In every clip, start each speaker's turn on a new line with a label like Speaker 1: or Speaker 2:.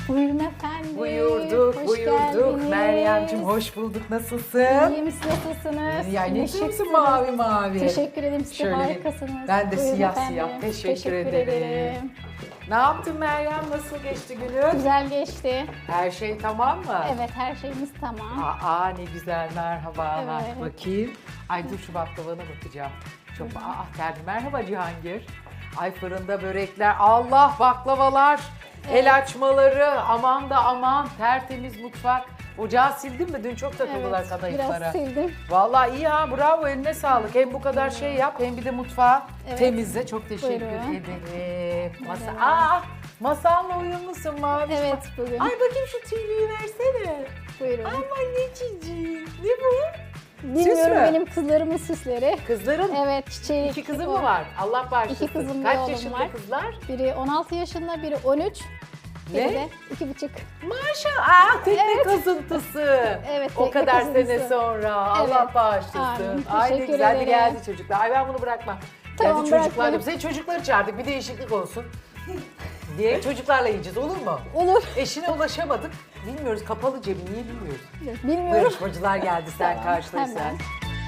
Speaker 1: Buyurun efendim.
Speaker 2: Buyurduk,
Speaker 1: Hoş
Speaker 2: buyurduk.
Speaker 1: geldiniz.
Speaker 2: Meryemciğim hoş bulduk. Nasılsın?
Speaker 1: İyiyim, siz nasılsınız?
Speaker 2: Ya ne
Speaker 1: Şıksınız.
Speaker 2: diyorsun mavi mavi?
Speaker 1: Teşekkür ederim, siz de
Speaker 2: Şöyle bir-
Speaker 1: harikasınız.
Speaker 2: Ben de
Speaker 1: Buyurun
Speaker 2: siyah
Speaker 1: efendim.
Speaker 2: siyah. Teşekkür ederim. Ne yaptın Meryem? Nasıl geçti günün?
Speaker 1: Güzel geçti.
Speaker 2: Her şey tamam mı?
Speaker 1: Evet, her şeyimiz tamam.
Speaker 2: Aa ne güzel merhaba.
Speaker 1: Evet.
Speaker 2: Bakayım. Ay dur şu baklavana bakacağım. Çok geldi. Merhaba Cihangir. Ay fırında börekler. Allah baklavalar. El açmaları. Aman da aman. Tertemiz mutfak. Ocağı sildin mi? Dün çok takıldılar
Speaker 1: Evet,
Speaker 2: kadayıflara.
Speaker 1: biraz sildim.
Speaker 2: Vallahi iyi ha bravo eline sağlık. Hem bu kadar şey yap hem bir de mutfağı
Speaker 1: Evet.
Speaker 2: temizle. Çok teşekkür
Speaker 1: Buyurun.
Speaker 2: ederim. Masa,
Speaker 1: Buyurun.
Speaker 2: masanla uyumlusun mavi.
Speaker 1: Evet, bugün.
Speaker 2: Ay bakayım şu tüylüyü versene.
Speaker 1: Buyurun.
Speaker 2: Aman ne cici. Ne bu?
Speaker 1: Bilmiyorum,
Speaker 2: mü?
Speaker 1: benim kızlarımın süsleri.
Speaker 2: Kızların
Speaker 1: Evet, çiçeği.
Speaker 2: iki kızı mı var? Allah bağışlasın.
Speaker 1: İki kızım, bir
Speaker 2: Kaç
Speaker 1: oğlum
Speaker 2: yaşında
Speaker 1: var.
Speaker 2: kızlar?
Speaker 1: Biri 16 yaşında, biri 13.
Speaker 2: Ne?
Speaker 1: Biri de 2,5.
Speaker 2: Maşallah. Tekne kazıntısı.
Speaker 1: Evet,
Speaker 2: O
Speaker 1: tekne
Speaker 2: kadar
Speaker 1: kazıntısı.
Speaker 2: sene sonra. Allah
Speaker 1: Evet.
Speaker 2: bağışlasın.
Speaker 1: Amin.
Speaker 2: Ay ne
Speaker 1: Teşekkür
Speaker 2: güzel de
Speaker 1: ederim.
Speaker 2: geldi çocuklar. Ay ben bunu bırakmam.
Speaker 1: Tamam,
Speaker 2: Geldi çocuklar
Speaker 1: bırakmayın.
Speaker 2: da. Senin çocukları çağırdık bir değişiklik olsun. diye çocuklarla yiyeceğiz olur mu?
Speaker 1: Olur.
Speaker 2: Eşine ulaşamadık. Bilmiyoruz kapalı cebi niye bilmiyoruz. Bu
Speaker 1: Bilmiyorum.
Speaker 2: yarışmacılar geldi sen
Speaker 1: Tamam,
Speaker 2: karşılaş
Speaker 1: hemen.
Speaker 2: sen.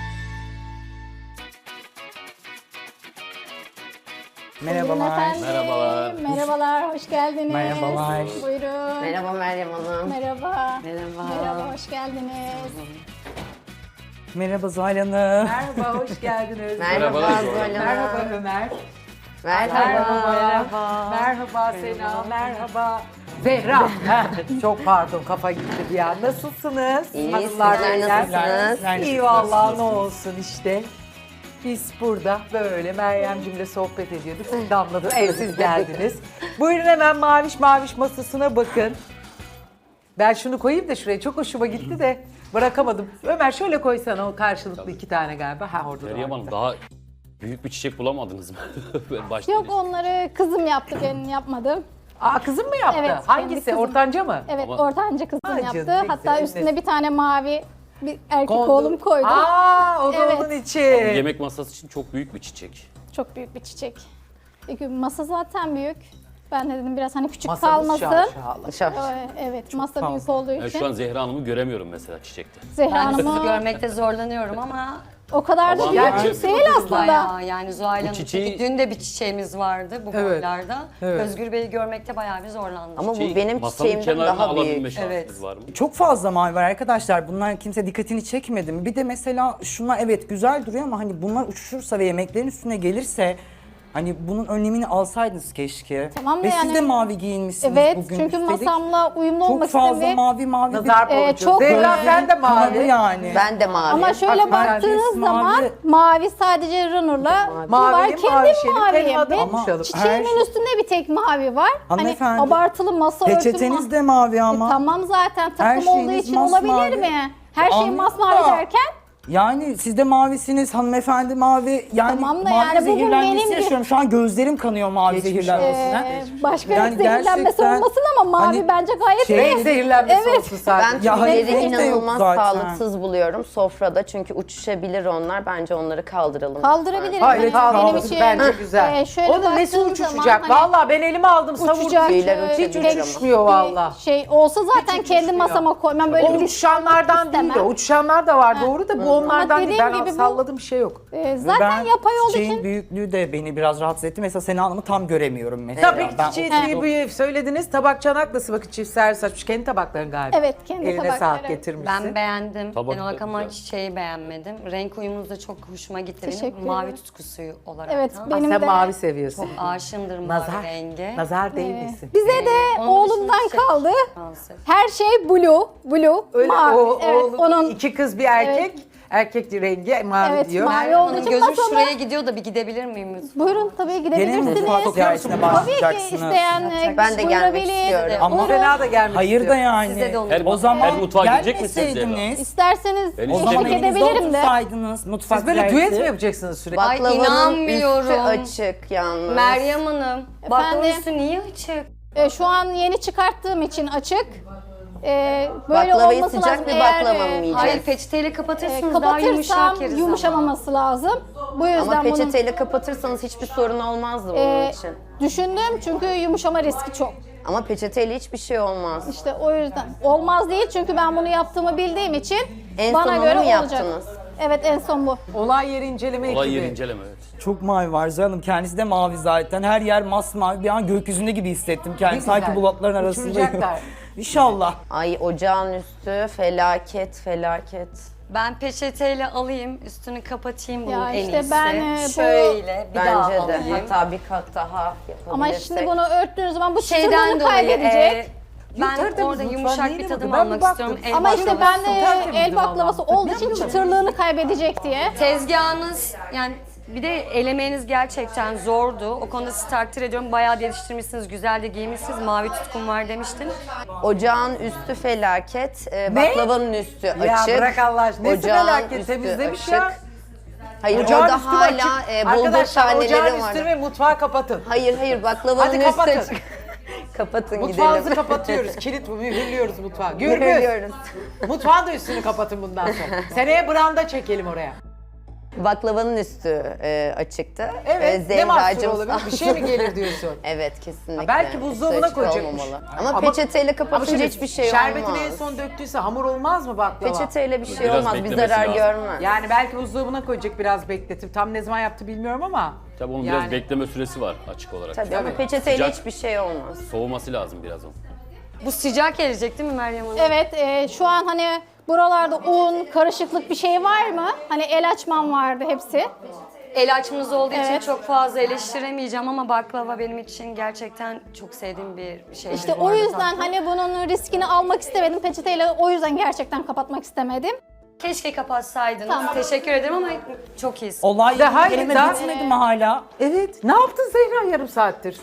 Speaker 1: Buyurun
Speaker 3: Merhabalar.
Speaker 1: efendim.
Speaker 4: Merhabalar.
Speaker 1: Merhabalar, hoş geldiniz.
Speaker 3: Merhabalar.
Speaker 1: Buyurun.
Speaker 5: Merhaba Meryem Hanım.
Speaker 1: Merhaba.
Speaker 5: Merhaba.
Speaker 1: Merhaba, hoş geldiniz.
Speaker 3: Merhaba Zuhal Hanım.
Speaker 2: Merhaba hoş geldin Özlem.
Speaker 5: Merhaba
Speaker 4: Merhaba,
Speaker 5: Zuhal Hanım.
Speaker 2: Merhaba Ömer.
Speaker 5: Merhaba.
Speaker 2: Merhaba Sena. Merhaba. Zehra. Çok pardon kafa gitti bir an. Nasılsınız?
Speaker 5: İyi,
Speaker 2: Hanımlar,
Speaker 5: sizler
Speaker 2: beyler?
Speaker 5: nasılsınız?
Speaker 2: İyi vallahi ne olsun işte. Biz burada böyle Meryem'cimle sohbet ediyorduk. Siz damladınız, siz geldiniz. Buyurun hemen maviş maviş masasına bakın. Ben şunu koyayım da şuraya çok hoşuma gitti de bırakamadım. Ömer şöyle koysana o karşılıklı iki tane galiba. Ha orada da
Speaker 4: Meryem
Speaker 2: var.
Speaker 4: Hanım daha büyük bir çiçek bulamadınız mı? Ben başlayayım.
Speaker 1: Yok, onları kızım yaptı, ben yapmadım.
Speaker 2: Aa kızım mı yaptı?
Speaker 1: Evet, kendi
Speaker 2: Hangisi?
Speaker 1: kızım.
Speaker 2: Ortanca mı?
Speaker 1: Evet,
Speaker 4: Ama-
Speaker 1: ortanca kızım
Speaker 2: Ay
Speaker 1: yaptı.
Speaker 2: canım, ne
Speaker 1: Hatta
Speaker 2: güzel,
Speaker 1: üstüne
Speaker 2: eline-
Speaker 1: bir tane mavi bir erkek
Speaker 2: Kondu.
Speaker 1: oğlum koydu.
Speaker 2: Aa o da
Speaker 1: Evet.
Speaker 2: onun için.
Speaker 4: Yemek masası için çok büyük bir çiçek.
Speaker 1: Çok büyük bir çiçek. Çünkü masa zaten büyük. Ben de dedim biraz hani küçük
Speaker 2: Masamız
Speaker 1: kalmasın.
Speaker 2: şaşalı.
Speaker 1: Evet, masa büyük
Speaker 3: fazla.
Speaker 1: olduğu
Speaker 4: Ben
Speaker 1: için.
Speaker 4: şu an Zehra Hanım'ı göremiyorum mesela çiçekte.
Speaker 1: Zehra
Speaker 5: Ben sizi
Speaker 1: Hanım'ı
Speaker 5: görmekte zorlanıyorum ama
Speaker 1: o kadar da
Speaker 4: Aman
Speaker 1: büyük
Speaker 2: ya.
Speaker 1: değil aslında.
Speaker 5: bayağı yani Zuhal Hanım
Speaker 4: çiçeği-
Speaker 5: çünkü dün de bir çiçeğimiz vardı bu
Speaker 2: Evet,
Speaker 5: boylarda.
Speaker 2: evet.
Speaker 5: Özgür Bey'i görmekte bayağı bir zorlandım.
Speaker 6: Ama bu
Speaker 4: Çiçeği
Speaker 6: benim
Speaker 4: masanın
Speaker 6: çiçeğimden
Speaker 4: kenarına
Speaker 6: daha
Speaker 4: alabilme
Speaker 6: büyük.
Speaker 4: şansınız var mı?
Speaker 3: Çok fazla mavi var arkadaşlar. Bunlar kimse dikkatini çekmedi mi? Bir de mesela şunlar evet güzel duruyor ama hani bunlar uçuşursa ve yemeklerin üstüne gelirse hani bunun önlemini alsaydınız keşke.
Speaker 1: Tamam da
Speaker 3: ve
Speaker 1: yani-
Speaker 3: siz de mavi giyinmişsiniz
Speaker 1: Evet,
Speaker 3: bugün.
Speaker 1: çünkü
Speaker 3: Üstelik
Speaker 1: masamla uyumlu
Speaker 3: çok
Speaker 1: olmak
Speaker 3: fazla
Speaker 1: istemiyorum.
Speaker 3: mavi mavi
Speaker 2: Nazar boncuğu.
Speaker 1: çok
Speaker 2: Zehra
Speaker 1: öyle.
Speaker 2: sen de
Speaker 3: kanadı
Speaker 2: mavi.
Speaker 3: yani.
Speaker 6: Ben de mavi.
Speaker 1: Ama şöyle
Speaker 2: Bak,
Speaker 1: baktığınız
Speaker 3: mavi.
Speaker 1: zaman mavi sadece runner'la bu var.
Speaker 2: Mavili,
Speaker 1: Kendim
Speaker 2: mavi şeyini
Speaker 1: maviyim.
Speaker 2: benim adım
Speaker 1: Benim
Speaker 2: konuşalım.
Speaker 1: çiçeğimin
Speaker 3: Her-
Speaker 1: üstünde bir tek mavi var. Hani
Speaker 3: Hanımefendi,
Speaker 1: abartılı masa örtüm
Speaker 3: Peçeteniz de mavi ama.
Speaker 1: Tamam zaten
Speaker 3: Her
Speaker 1: takım olduğu
Speaker 3: şeyiniz
Speaker 1: için
Speaker 3: masmavi.
Speaker 1: olabilir mi? Her şey
Speaker 3: Anladım
Speaker 1: masmavi
Speaker 3: da.
Speaker 1: derken
Speaker 3: Yani siz de mavisiniz hanımefendi mavi. Yani
Speaker 1: Tamam da
Speaker 3: mavi
Speaker 1: yani bugün
Speaker 3: zehirlenmesi
Speaker 1: benim gibi-
Speaker 3: yaşıyorum. Şu an gözlerim kanıyor mavi
Speaker 2: Geçmiş
Speaker 3: zehirlenmesinden.
Speaker 1: başka
Speaker 3: Yani
Speaker 1: zehirlenmesi
Speaker 3: gerçekten
Speaker 1: olmasın ama mavi
Speaker 3: hani
Speaker 1: bence gayet
Speaker 3: şey-
Speaker 1: iyi.
Speaker 2: Renk zehirlenmesi
Speaker 1: Evet.
Speaker 2: olsun sadece.
Speaker 6: Ben
Speaker 3: Ya hayır,
Speaker 6: tüyleri
Speaker 3: renk de yok
Speaker 6: inanılmaz
Speaker 3: zaten.
Speaker 6: sağlıksız buluyorum sofrada çünkü uçuşabilir onlar. Bence onları kaldıralım.
Speaker 1: Kaldırabiliriz.
Speaker 2: Hayır
Speaker 1: Hani benim
Speaker 2: kaldırın
Speaker 1: için,
Speaker 2: bence güzel.
Speaker 1: şöyle
Speaker 2: Onun nesi
Speaker 1: baktığım
Speaker 2: uçuşacak?
Speaker 1: zaman hani
Speaker 2: Vallahi ben elime aldım savurdum.
Speaker 1: uçacak.
Speaker 6: Tüyler
Speaker 1: Hiç
Speaker 2: Hiç
Speaker 6: uçabilir ama.
Speaker 2: uçuşmuyor valla.
Speaker 1: şey olsa zaten
Speaker 2: Hiç
Speaker 1: kendi
Speaker 2: uçuşmuyor.
Speaker 1: masama koymam böyle
Speaker 2: O
Speaker 1: bir
Speaker 2: uçuşanlardan değil de
Speaker 1: istemem.
Speaker 2: uçuşanlar da var doğru da bu onlardan değil.
Speaker 1: dediğim
Speaker 2: Ben
Speaker 1: gibi bu-
Speaker 2: salladım bir şey yok.
Speaker 1: Zaten
Speaker 3: Ben
Speaker 1: yapay olduğu
Speaker 3: çiçeğin
Speaker 1: için
Speaker 3: büyüklüğü de beni biraz rahatsız etti. Mesela Sena Hanım'ı tam göremiyorum mesela.
Speaker 2: Tabii
Speaker 3: Ben
Speaker 2: çiçeği
Speaker 3: oturdum.
Speaker 2: tüyü büyü söylediniz. Tabak çanak nasıl bakın çift servis açmış. Kendi tabakların galiba.
Speaker 1: Evet, kendi
Speaker 2: Eline
Speaker 1: tabakları.
Speaker 2: sağlık getirmişsin.
Speaker 5: Ben beğendim.
Speaker 4: Tabak
Speaker 5: Genel
Speaker 4: da
Speaker 5: olarak ama
Speaker 4: güzel.
Speaker 5: çiçeği beğenmedim. Renk uyumunuz da çok hoşuma gitti
Speaker 1: Teşekkür
Speaker 5: benim. Mavi
Speaker 1: ederim.
Speaker 5: tutkusu olarak.
Speaker 1: Evet,
Speaker 5: da.
Speaker 1: benim
Speaker 2: Sen
Speaker 1: de
Speaker 2: mavi seviyorsun.
Speaker 5: Aşığımdır mavi
Speaker 2: Nazar.
Speaker 5: renge.
Speaker 2: Nazar değmesin.
Speaker 1: bize de
Speaker 5: Onun
Speaker 1: oğlumdan
Speaker 5: dışında çiçek-
Speaker 1: kaldı.
Speaker 5: Maalesef.
Speaker 1: Her şey blue,
Speaker 2: Öyle
Speaker 1: mavi.
Speaker 2: o,
Speaker 1: evet,
Speaker 2: oğlum,
Speaker 1: onun
Speaker 2: iki kız bir erkek. Erkek rengi mavi
Speaker 1: Evet,
Speaker 2: diyor.
Speaker 1: mavi
Speaker 5: Meryem
Speaker 1: olduğu
Speaker 5: Hanım
Speaker 1: için
Speaker 5: gözüm
Speaker 1: masama-
Speaker 5: şuraya gidiyor da bir gidebilir miyim lütfen?
Speaker 1: Buyurun tabii
Speaker 3: Gene mi
Speaker 1: gidebilirsiniz.
Speaker 3: mutfak ziyaretine
Speaker 1: Tabii ki
Speaker 3: başlayacaksınız?
Speaker 1: isteyen
Speaker 6: Ben de gelmek
Speaker 1: buyurabilir.
Speaker 6: istiyorum.
Speaker 3: Ama
Speaker 1: Buyurun.
Speaker 2: Fena da gelmek
Speaker 3: Hayır
Speaker 2: istiyor.
Speaker 3: da yani.
Speaker 5: Size de olur.
Speaker 3: O zaman
Speaker 4: Her mutfağa gidecek misiniz
Speaker 3: gelmeseydiniz.
Speaker 1: İsterseniz
Speaker 4: Ben
Speaker 3: O zaman
Speaker 1: eşlik
Speaker 4: Teşekkür
Speaker 3: evinizde
Speaker 1: edebilirim de.
Speaker 3: otursaydınız mutfak
Speaker 2: Siz böyle düet
Speaker 3: ziyareti.
Speaker 2: mi yapacaksınız sürekli?
Speaker 5: Ay,
Speaker 6: Baklavanın
Speaker 5: inanmıyorum.
Speaker 6: üstü açık yalnız.
Speaker 5: Meryem Hanım, baklava
Speaker 1: Efendim?
Speaker 5: üstü niye açık?
Speaker 1: Şu an yeni çıkarttığım için açık. Böyle
Speaker 6: Baklavayı
Speaker 1: olması
Speaker 6: sıcak
Speaker 1: lazım.
Speaker 6: bir
Speaker 1: Eğer,
Speaker 6: baklava mı yiyeceğiz?
Speaker 5: Hayır peçeteyle kapatırsınız daha yumuşak
Speaker 1: kapatırsam
Speaker 5: yeriz
Speaker 1: yumuşamaması lazım. Bu yüzden
Speaker 6: Ama
Speaker 1: bunun
Speaker 6: peçeteyle kapatırsanız hiçbir sorun olmazdı bunun için.
Speaker 1: düşündüm çünkü yumuşama riski çok.
Speaker 6: Ama peçeteyle hiçbir şey olmaz.
Speaker 1: İşte o yüzden olmaz değil çünkü ben bunu yaptığımı bildiğim için
Speaker 6: En
Speaker 1: bana
Speaker 6: son onu
Speaker 1: göre
Speaker 6: mu
Speaker 1: olacak.
Speaker 6: yaptınız?
Speaker 1: Evet en son bu.
Speaker 2: Olay yeri inceleme
Speaker 4: Olay
Speaker 2: ekibi.
Speaker 4: yeri inceleme evet.
Speaker 3: Çok mavi var canım. Kendisi de mavi zaten. Her yer masmavi. Bir an gökyüzünde gibi hissettim kendimi.
Speaker 2: güzel.
Speaker 3: Sanki bulutların arasındayım.
Speaker 2: Uçuracaklar.
Speaker 3: İnşallah.
Speaker 6: Ay ocağın üstü felaket felaket.
Speaker 5: Ben peçeteyle alayım, üstünü kapatayım bunun
Speaker 1: Ya
Speaker 5: en
Speaker 1: işte
Speaker 5: iyisi.
Speaker 1: ben, bu-
Speaker 5: Şöyle bir daha
Speaker 6: Bence de.
Speaker 5: alayım.
Speaker 6: Hatta bir kat daha yapabilirsek.
Speaker 1: Ama şimdi bunu örttüğünüz zaman bu
Speaker 5: Şeyden
Speaker 1: çıtırlığını
Speaker 5: dolayı
Speaker 1: kaybedecek.
Speaker 5: ben
Speaker 2: tertemiz
Speaker 5: orada
Speaker 2: mutfağın
Speaker 5: yumuşak
Speaker 2: neyine
Speaker 5: bir tadım
Speaker 2: bakın? Ben
Speaker 5: almak
Speaker 2: bir
Speaker 5: istiyorum.
Speaker 2: baktım.
Speaker 5: El
Speaker 1: Ama işte
Speaker 5: baklavası.
Speaker 1: ben de
Speaker 2: tertemizdi
Speaker 1: el baklavası
Speaker 2: vallahi.
Speaker 1: olduğu için çıtırlığını kaybedecek diye.
Speaker 5: Tezgahınız yani bir de el emeğiniz gerçekten zordu. O konuda sizi takdir ediyorum. Bayağı geliştirmişsiniz, güzel de giymişsiniz. Mavi tutkum var demiştin.
Speaker 6: Ocağın üstü felaket, baklavanın üstü
Speaker 2: Ya
Speaker 6: açık.
Speaker 2: bırak Allah aşkına. Nesi
Speaker 6: Ocağın
Speaker 2: felaket,
Speaker 6: üstü
Speaker 2: temizlemiş
Speaker 6: açık.
Speaker 2: ya.
Speaker 6: Hayır
Speaker 2: Ocağın
Speaker 6: orada
Speaker 2: üstü
Speaker 6: hala
Speaker 2: açık.
Speaker 6: bulgur
Speaker 2: Arkadaşlar ocağın
Speaker 6: taneleri var.
Speaker 2: üstünü ve mutfağı kapatın.
Speaker 6: Hayır baklavanın
Speaker 2: Hadi
Speaker 6: üstü
Speaker 2: kapatın.
Speaker 6: açık. Kapatın
Speaker 2: Mutfağınızı
Speaker 6: gidelim.
Speaker 2: kapatıyoruz. Kilit bu. Mühürlüyoruz mutfağı. Gürbüz.
Speaker 6: Görüyoruz.
Speaker 2: Mutfağın da üstünü kapatın bundan sonra. Seneye branda çekelim oraya.
Speaker 6: Baklavanın üstü açıktı.
Speaker 2: Evet. Ne mahsur
Speaker 6: Zehracığım
Speaker 2: olabilir? Bir şey mi gelir diyorsun?
Speaker 6: Evet kesinlikle.
Speaker 2: Ha, belki
Speaker 6: Üstü
Speaker 2: buzdolabına
Speaker 6: açık
Speaker 2: koyacakmış.
Speaker 6: olmamalı. Ama peçeteyle
Speaker 2: Ama
Speaker 6: kapatınca
Speaker 2: şimdi
Speaker 6: hiçbir şey
Speaker 2: şerbetini
Speaker 6: olmaz.
Speaker 2: en son döktüyse hamur olmaz mı baklava?
Speaker 6: Peçeteyle bir şey
Speaker 4: Biraz
Speaker 6: olmaz. Bir
Speaker 4: beklemesi
Speaker 6: zarar
Speaker 4: lazım.
Speaker 6: görmez.
Speaker 2: Yani belki buzdolabına koyacak biraz bekletip. Tam ne zaman yaptı bilmiyorum ama.
Speaker 4: Tabii onun
Speaker 2: Yani.
Speaker 4: biraz bekleme süresi var açık olarak.
Speaker 6: Tabii ama peçeteyle
Speaker 4: Sıcak.
Speaker 6: hiçbir şey olmaz.
Speaker 4: Soğuması lazım biraz o.
Speaker 5: Bu sıcak gelecek değil mi Meryem Hanım?
Speaker 1: Evet şu an hani buralarda un, karışıklık bir şey var mı? Hani el açmam vardı hepsi.
Speaker 5: El açmanız olduğu için
Speaker 1: Evet.
Speaker 5: çok fazla eleştiremeyeceğim ama baklava benim için gerçekten çok sevdiğim bir şey.
Speaker 1: İşte o yüzden hani bunun riskini almak istemedim. Peçeteyle o yüzden gerçekten kapatmak istemedim.
Speaker 5: Keşke kapatsaydınız.
Speaker 1: Tamam.
Speaker 5: Teşekkür ederim ama çok iyisin.
Speaker 3: Olay
Speaker 2: Daha
Speaker 3: kelime
Speaker 2: daha-
Speaker 3: bitmedi mi hala?
Speaker 2: Evet. Ne yaptın Zehra yarım saattir?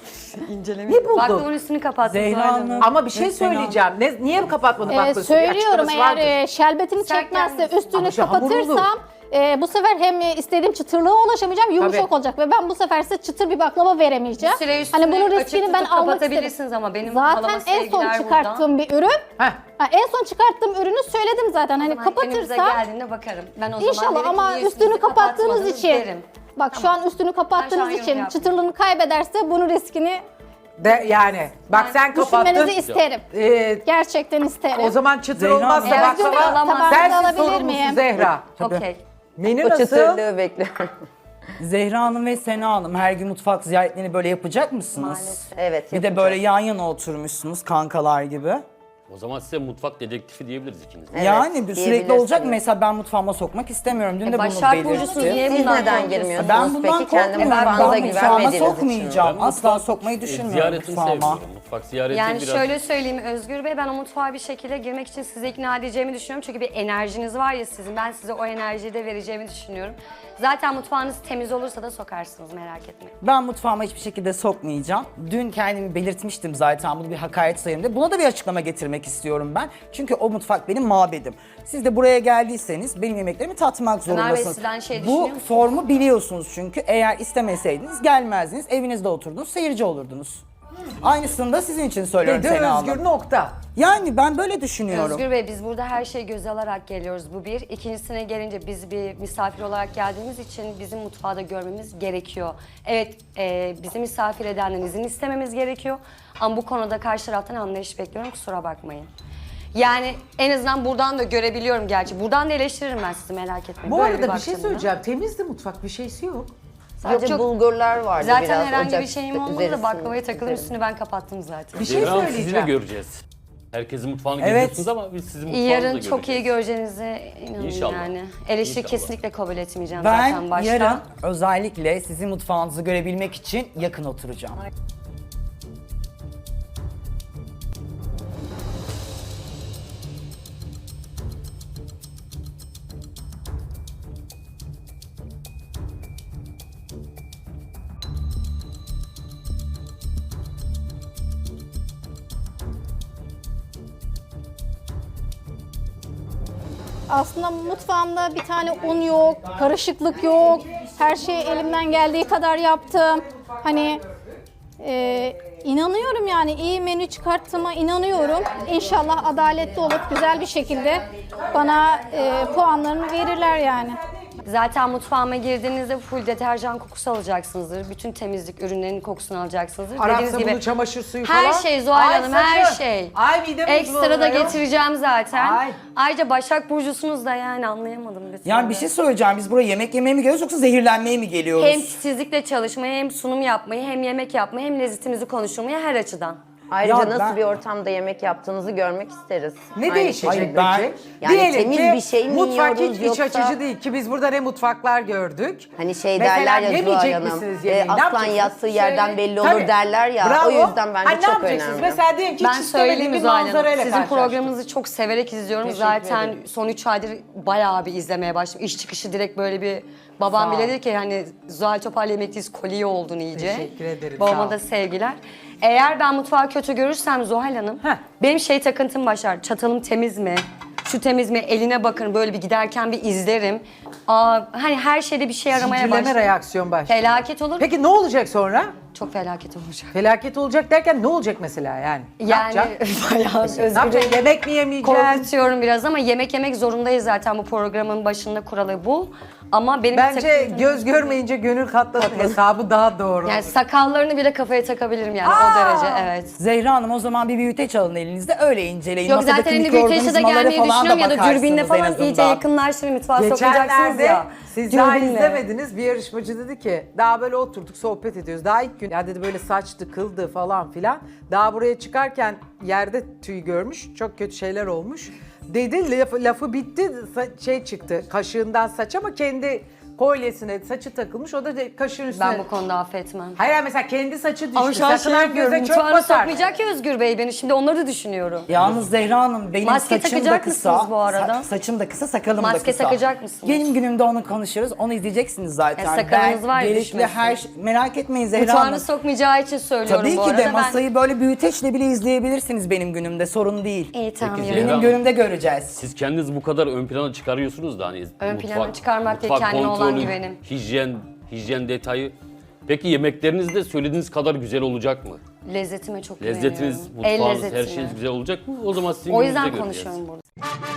Speaker 2: Ne buldun?
Speaker 5: Baklavanın üstünü kapattım.
Speaker 3: Zehra
Speaker 5: Zuhal Hanım.
Speaker 3: Hanım.
Speaker 2: Ama bir şey
Speaker 3: Mesela-
Speaker 2: söyleyeceğim. Niye kapatmadın baklavanı?
Speaker 1: Söylüyorum
Speaker 2: Bir
Speaker 1: eğer
Speaker 2: açıklaması
Speaker 1: şerbetini
Speaker 5: Serken
Speaker 1: çekmezse
Speaker 5: misin?
Speaker 1: üstünü
Speaker 2: Ama işte hamur
Speaker 1: kapatırsam bu sefer hem istediğim çıtırlığa ulaşamayacağım, yumuşak
Speaker 2: Tabii.
Speaker 1: olacak ve ben bu sefer size çıtır bir baklava veremeyeceğim.
Speaker 5: Süre üstüne
Speaker 1: Hani bunun
Speaker 5: açık
Speaker 1: riskini
Speaker 5: tutup
Speaker 1: ben almak istedim.
Speaker 5: kapatabilirsiniz ama benim
Speaker 1: Zaten
Speaker 5: halama
Speaker 1: en son
Speaker 5: sevgiler
Speaker 1: çıkarttığım bir ürün.
Speaker 2: Heh.
Speaker 1: En son çıkarttığım ürünü söyledim zaten. Hani
Speaker 5: buradan. Önümüze
Speaker 1: kapatırsam
Speaker 5: geldiğinde bakarım. Ben o zaman
Speaker 1: İnşallah
Speaker 5: derim ki,
Speaker 1: ama
Speaker 5: niye
Speaker 1: üstünü kapattığınız
Speaker 5: kapatmadınız
Speaker 1: için.
Speaker 5: derim.
Speaker 1: Bak şu an üstünü
Speaker 5: Ben şu an
Speaker 1: kapattığınız
Speaker 5: yorum
Speaker 1: için
Speaker 5: yapmıyorum.
Speaker 1: çıtırlığını kaybederse bunun riskini
Speaker 2: De, yani bak sen kapattın.
Speaker 1: düşünmenizi isterim. Gerçekten isterim.
Speaker 2: O zaman çıtır
Speaker 3: Zehra
Speaker 2: olmazsa
Speaker 5: Hanım.
Speaker 2: baklava
Speaker 5: Evet, tabağınızı
Speaker 2: sensin
Speaker 1: alabilir
Speaker 2: sorumlusu
Speaker 1: miyim?
Speaker 2: Zehra.
Speaker 5: Okey.
Speaker 2: Menü
Speaker 6: O
Speaker 2: nasıl?
Speaker 6: çıtırlığı bekliyorum.
Speaker 3: Zehra Hanım ve Sena Hanım her gün mutfak ziyaretlerini böyle yapacak mısınız?
Speaker 5: Maalesef.
Speaker 6: Evet
Speaker 3: Bir de
Speaker 6: yapacağız.
Speaker 3: böyle yan yana oturmuşsunuz kankalar gibi.
Speaker 4: O zaman size mutfak dedektifi diyebiliriz ikiniz. de.
Speaker 6: Evet,
Speaker 3: Yani sürekli
Speaker 6: diyebilirsiniz.
Speaker 3: olacak mı? Mesela ben mutfağıma sokmak istemiyorum. Dün de bunu
Speaker 5: Başak Burcu'sunuz
Speaker 3: belirttim.
Speaker 5: niye
Speaker 6: Siz
Speaker 5: bundan
Speaker 6: neden
Speaker 5: korkuyorsunuz?
Speaker 6: girmiyorsunuz?
Speaker 3: Ben bundan
Speaker 6: Peki kendi
Speaker 3: korkmuyorum.
Speaker 6: mutfağınıza
Speaker 3: Ben mutfağıma
Speaker 6: güvenmediğiniz için mi?
Speaker 3: sokmayacağım.
Speaker 4: Ben
Speaker 3: Asla
Speaker 4: mutfak-
Speaker 3: sokmayı düşünmüyorum
Speaker 4: Ziyaretini
Speaker 3: mutfağıma.
Speaker 4: sevmiyorum. Mutfak ziyareti
Speaker 5: Yani
Speaker 4: biraz...
Speaker 5: şöyle söyleyeyim Özgür Bey, ben o mutfağa bir şekilde girmek için sizi ikna edeceğimi düşünüyorum. Çünkü bir enerjiniz var ya sizin, ben size o enerjiyi de vereceğimi düşünüyorum. Zaten mutfağınız temiz olursa da sokarsınız, merak etmeyin.
Speaker 3: Ben mutfağıma hiçbir şekilde sokmayacağım. Dün kendimi belirtmiştim zaten, bunu bir hakaret sayarım diye. Buna da bir açıklama getirmek istiyorum ben. Çünkü o mutfak benim mabedim. Siz de buraya geldiyseniz benim yemeklerimi tatmak
Speaker 5: Ömer Bey,
Speaker 3: zorundasınız.
Speaker 5: sizden şey düşünüyor
Speaker 3: Bu
Speaker 5: musunuz?
Speaker 3: formu biliyorsunuz çünkü. Eğer istemeseydiniz gelmezdiniz, evinizde oturdunuz, seyirci olurdunuz. Aynısını da sizin için söylüyorum
Speaker 2: Dedi
Speaker 3: Sena
Speaker 2: Özgür
Speaker 3: Hanım.
Speaker 2: nokta.
Speaker 3: Yani ben böyle düşünüyorum.
Speaker 5: Özgür Bey, biz burada her şeyi göze alarak geliyoruz, bu bir. İkincisine gelince biz bir misafir olarak geldiğimiz için bizim mutfağı da görmemiz gerekiyor. Evet, bizi misafir edenden izin istememiz gerekiyor. Ama bu konuda karşı taraftan anlayış bekliyorum, kusura bakmayın. Yani en azından buradan da görebiliyorum gerçi. Buradan da eleştiririm ben sizi, merak etmeyin.
Speaker 2: Bu
Speaker 5: Böyle
Speaker 2: arada bir şey
Speaker 5: baktığımda.
Speaker 2: söyleyeceğim. Temizdi mutfak, bir şeysi yok.
Speaker 6: Sadece
Speaker 5: Çok-
Speaker 6: bulgurlar vardı biraz.
Speaker 5: Zaten herhangi
Speaker 6: ocak
Speaker 5: bir şeyim olmadı
Speaker 6: üzeri
Speaker 5: da baklavayı takılım
Speaker 6: üzeri.
Speaker 5: üstünü ben kapattım zaten.
Speaker 2: Bir şey
Speaker 4: Zehra Hanım, sizi de
Speaker 2: söyleyeceğim.
Speaker 4: göreceğiz. Herkesin mutfağını
Speaker 3: Evet.
Speaker 4: geziyorsunuz ama biz sizin mutfağınızı da
Speaker 5: Yarın
Speaker 4: göreceğiz.
Speaker 5: çok iyi göreceğinize inanın
Speaker 4: İnşallah.
Speaker 5: yani. Eleştiri
Speaker 4: İnşallah.
Speaker 5: kesinlikle kabul etmeyeceğim zaten
Speaker 3: Ben
Speaker 5: başta.
Speaker 3: yarın özellikle sizin mutfağınızı görebilmek için yakın oturacağım.
Speaker 1: Aslında mutfağımda bir tane un yok, karışıklık yok. Her şeyi elimden geldiği kadar yaptım. Hani İnanıyorum yani iyi menü çıkarttığıma inanıyorum. İnşallah adaletli olup güzel bir şekilde bana puanlarını verirler yani.
Speaker 5: Zaten mutfağıma girdiğinizde full deterjan kokusu alacaksınızdır. Bütün temizlik ürünlerinin kokusunu alacaksınızdır.
Speaker 2: Arap
Speaker 5: Dediğiniz
Speaker 2: sabunu,
Speaker 5: gibi
Speaker 2: çamaşır suyu falan.
Speaker 5: her şey Zuhal
Speaker 2: Ay,
Speaker 5: Hanım, her
Speaker 2: sakın.
Speaker 5: şey.
Speaker 2: Ay midem
Speaker 5: Ekstra da
Speaker 2: bozuluyor.
Speaker 5: getireceğim zaten.
Speaker 2: Ay.
Speaker 5: Ayrıca Başak Burcu'sunuz da yani anlayamadım lütfen.
Speaker 3: Yani bir şey söyleyeceğim. Biz buraya yemek yemeye mi geliyoruz yoksa zehirlenmeye mi geliyoruz?
Speaker 5: Hem titizlikle çalışmayı, hem sunum yapmayı, hem yemek yapmayı, hem lezzetimizi konuşturmayı her açıdan.
Speaker 6: Ayrıca
Speaker 3: Ya
Speaker 6: nasıl
Speaker 3: ben-
Speaker 6: bir ortamda yemek yaptığınızı görmek isteriz.
Speaker 2: Ne
Speaker 6: Aynı
Speaker 2: değişecek
Speaker 6: şekilde.
Speaker 3: Hayır,
Speaker 2: peki?
Speaker 6: Yani
Speaker 2: Diyelim
Speaker 6: temiz
Speaker 2: ki
Speaker 6: bir şey mi
Speaker 2: mutfak
Speaker 6: yiyoruz
Speaker 2: hiç iç
Speaker 6: yoksa-
Speaker 2: açıcı değil ki biz burada ne mutfaklar gördük.
Speaker 6: Hani şey
Speaker 2: Mesela
Speaker 6: derler ya Zuhal
Speaker 2: yemeyecek
Speaker 6: Hanım,
Speaker 2: misiniz yemeği? Ne
Speaker 6: aslan
Speaker 2: yapacaksınız?
Speaker 6: yattığı yerden
Speaker 2: Şöyle-
Speaker 6: belli olur
Speaker 2: Tabii.
Speaker 6: derler ya.
Speaker 2: Bravo.
Speaker 6: O yüzden bence
Speaker 2: Ay, ne
Speaker 6: çok
Speaker 2: yapacaksınız?
Speaker 6: önemli.
Speaker 2: Mesela diyelim ki
Speaker 5: Ben
Speaker 2: hiç istemediğim
Speaker 5: söyleyeyim
Speaker 2: bir
Speaker 5: Zuhal Hanım.
Speaker 2: manzarayla
Speaker 5: Sizin
Speaker 2: karşılaştık.
Speaker 5: programınızı çok severek izliyorum.
Speaker 2: Teşekkür
Speaker 5: Zaten
Speaker 2: ederim.
Speaker 5: son 3 aydır bayağı bir izlemeye başladım. İş çıkışı direkt böyle bir babam
Speaker 2: Sağ ol.
Speaker 5: bile dedi ki hani Zuhal Topal yemekteyiz kolye oldun iyice.
Speaker 2: Teşekkür ederim, sağ
Speaker 5: Babama
Speaker 2: ol.
Speaker 5: da sevgiler. Eğer ben mutfağı kötü görürsem Zuhal Hanım,
Speaker 2: Heh.
Speaker 5: benim şey takıntım başlar. Çatalım temiz mi? Şu temiz mi? Eline bakın böyle bir giderken bir izlerim. Hani her şeyde bir şey aramaya
Speaker 2: Zincirleme
Speaker 5: başlarım.
Speaker 2: reaksiyon başlıyor.
Speaker 5: Felaket olur.
Speaker 2: Peki ne olacak sonra?
Speaker 5: Çok felaket olacak.
Speaker 2: Felaket olacak derken ne olacak mesela yani? Ne
Speaker 5: Yani
Speaker 2: yapacaksın?
Speaker 5: bayağı
Speaker 2: Ne yapacaksın? Yemek mi yemeyeceksin?
Speaker 5: korkutuyorum biraz ama yemek yemek zorundayız zaten, bu programın başında kuralı bu. Ama benim
Speaker 2: Bence göz görmeyince gönül katlasın hesabı daha doğru.
Speaker 5: yani sakallarını bile kafaya takabilirim yani
Speaker 2: Aa!
Speaker 5: o derece, evet.
Speaker 3: Zehra Hanım o zaman bir büyüteç alın elinizde öyle inceleyin.
Speaker 5: Yok
Speaker 3: Masadaki
Speaker 5: zaten hani büyüteçte de
Speaker 3: mikroorganizmalara
Speaker 5: gelmeyi
Speaker 3: falan
Speaker 5: düşünüyorum ya da
Speaker 3: bakarsınız
Speaker 5: dürbünle
Speaker 3: en
Speaker 5: falan
Speaker 3: azından.
Speaker 5: iyice yakınlaştırıp mutfağa sokacaksınız
Speaker 2: Geçenlerde
Speaker 5: ya.
Speaker 2: siz daha
Speaker 5: Dürbünle.
Speaker 2: izlemediniz. Bir yarışmacı dedi ki daha böyle oturduk sohbet ediyoruz. Daha ilk gün ya dedi böyle saçtı kıldı falan filan. Daha buraya çıkarken yerde tüy görmüş. Çok kötü şeyler olmuş. Dedi lafı bitti şey çıktı kaşığından saç ama kendi kolyesine saçı takılmış. O da kaşığın üstüne.
Speaker 5: Ben bu konuda affetmem.
Speaker 2: Hayır mesela kendi saçı düştü.
Speaker 5: Ama şu an
Speaker 2: Sakınan
Speaker 5: şey yapıyorum,
Speaker 2: göze çok
Speaker 5: mutfağına
Speaker 2: batar.
Speaker 5: sokmayacak ya Özgür Bey beni, şimdi onları da düşünüyorum.
Speaker 3: Yalnız Zehra Hanım benim
Speaker 5: Maske
Speaker 3: saçım da
Speaker 5: takacak
Speaker 3: kısa.
Speaker 5: mısınız bu arada?
Speaker 3: Saçım da kısa, sakalım da
Speaker 5: Maske
Speaker 3: kısa.
Speaker 5: takacak mısınız?
Speaker 3: Benim günümde onu konuşuyoruz. Onu izleyeceksiniz zaten.
Speaker 5: Ya sakalınız var ya,
Speaker 3: gerekli
Speaker 5: düşmesin.
Speaker 3: her şey. Merak etmeyin Zehra Hanım.
Speaker 5: Mutfağını sokmayacağı için söylüyorum
Speaker 3: Tabii
Speaker 5: bu
Speaker 3: ki
Speaker 5: arada.
Speaker 3: de
Speaker 5: Ben-
Speaker 3: masayı böyle büyüteçle bile izleyebilirsiniz benim günümde. Sorun değil.
Speaker 5: İyi tamam
Speaker 4: Peki,
Speaker 5: yürü.
Speaker 4: Zehra
Speaker 3: Benim
Speaker 4: Hanım,
Speaker 3: günümde göreceğiz.
Speaker 4: Siz kendiniz bu kadar ön plana çıkarıyorsunuz da hani
Speaker 5: Ön plana çıkarmak değil, kendime olan güvenim.
Speaker 4: Hijyen detayı. Peki yemekleriniz de söylediğiniz kadar güzel olacak mı?
Speaker 5: Lezzetime çok
Speaker 4: Lezzetiniz,
Speaker 5: güveniyorum. El
Speaker 4: mutfağınız, her
Speaker 5: lezzetine.
Speaker 4: şeyiniz güzel olacak mı? O zaman sizin
Speaker 5: O
Speaker 4: gününüzde
Speaker 5: yüzden
Speaker 4: göreceğiz.
Speaker 5: konuşuyorum burada.